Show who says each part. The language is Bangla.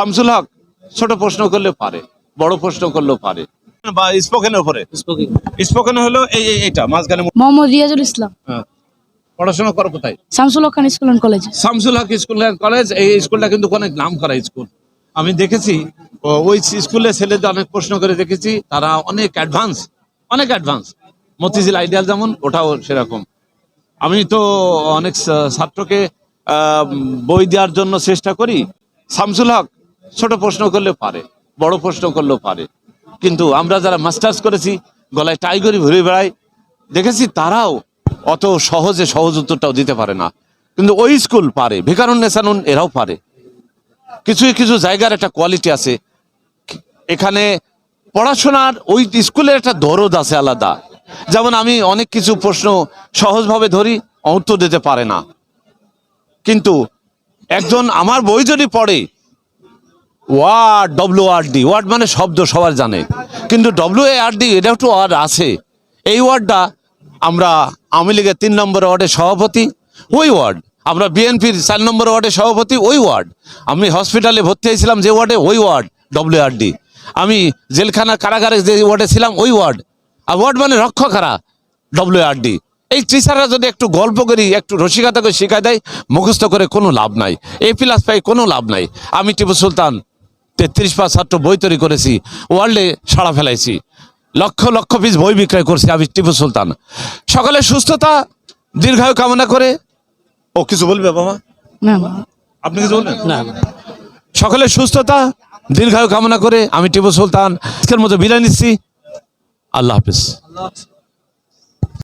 Speaker 1: শামসুল হক ছোট প্রশ্ন করলে পারে, বড় প্রশ্ন করলেও পারে, বা স্পোকেনের উপরে। স্পোকেন হলো এইটা মাঝখানে।
Speaker 2: মোহাম্মদ রিয়াজুল ইসলাম।
Speaker 1: হ্যাঁ। পড়াশোনা করো কোথায়?
Speaker 2: Shamsul Haque Khan school and college.
Speaker 1: Shamsul Haque school and college. এই স্কুলটা কিন্তু অনেক নাম করা স্কুল। আমি দেখেছি ওই স্কুলে ছেলেদের অনেক প্রশ্ন করে দেখেছি, তারা অনেক অ্যাডভান্স, অনেক অ্যাডভান্স। মতিঝিল আইডিয়াল যেমন, ওটাও সেরকম। আমি তো অনেক ছাত্রকে বই দেওয়ার জন্য চেষ্টা করি। শামসুল হক ছোট প্রশ্ন করলে পারে, বড় প্রশ্ন করলেও পারে, কিন্তু আমরা যারা মাস্টার্স করেছি, গলায় টাইগরি ঘুরে বেড়াই, দেখেছি তারাও অত সহজে সহজ উত্তরটাও দিতে পারে না। কিন্তু ওই স্কুল পারে, ভিকারুন নেসানুন এরাও পারে। কিছু কিছু জায়গার একটা কোয়ালিটি আছে এখানে। পড়াশোনার ওই স্কুলের একটা দরদ আছে আলাদা। যেমন আমি অনেক কিছু প্রশ্ন সহজভাবে ধরি, উত্তর দিতে পারে না, কিন্তু একজন আমার বই যদি পড়ে, ওয়ার্ড, WRD, ওয়ার্ড মানে শব্দ, সবার জানে, কিন্তু WARD এটা একটু ওয়ার্ড আছে। এই ওয়ার্ডটা আমরা আওয়ামী লীগের 3 নম্বর ওয়ার্ডের সভাপতি, ওই ওয়ার্ড। আমরা বিএনপির 4 নম্বর ওয়ার্ডের সভাপতি, ওই ওয়ার্ড। আমি হসপিটালে ভর্তি হয়েছিলাম যে ওয়ার্ডে, ওই ওয়ার্ড WRD। আমি জেলখানা কারাগারে যে ওয়ার্ডে ছিলাম, ওই ওয়ার্ড। আর ওয়ার্ড মানে রক্ষকারা, WRD। এই টিচাররা যদি একটু গল্প করি, একটু রসিকতা করে শেখায় দেয়, মুখস্থ করে কোনো লাভ নাই, A+ পাই কোনো লাভ নাই। আমি টিপু সুলতান 33 পাস ছাত্র বই তৈরি করেছি, ওয়ার্ল্ডে সাড়া ফেলাইছি, লক্ষ লক্ষ পিস বই বিক্রয় করছি আমি টিপু সুলতান। সকলের সুস্থতা দীর্ঘায়ু কামনা করে। ও কিছু বলবে বাবা?
Speaker 2: না,
Speaker 1: আপনি কিছু বলবেন
Speaker 2: না।
Speaker 1: সকলের সুস্থতা দীর্ঘায়ু কামনা করে আমি টিপু সুলতান আজকের মতো বিদায় নিচ্ছি। আল্লাহ হাফিজ।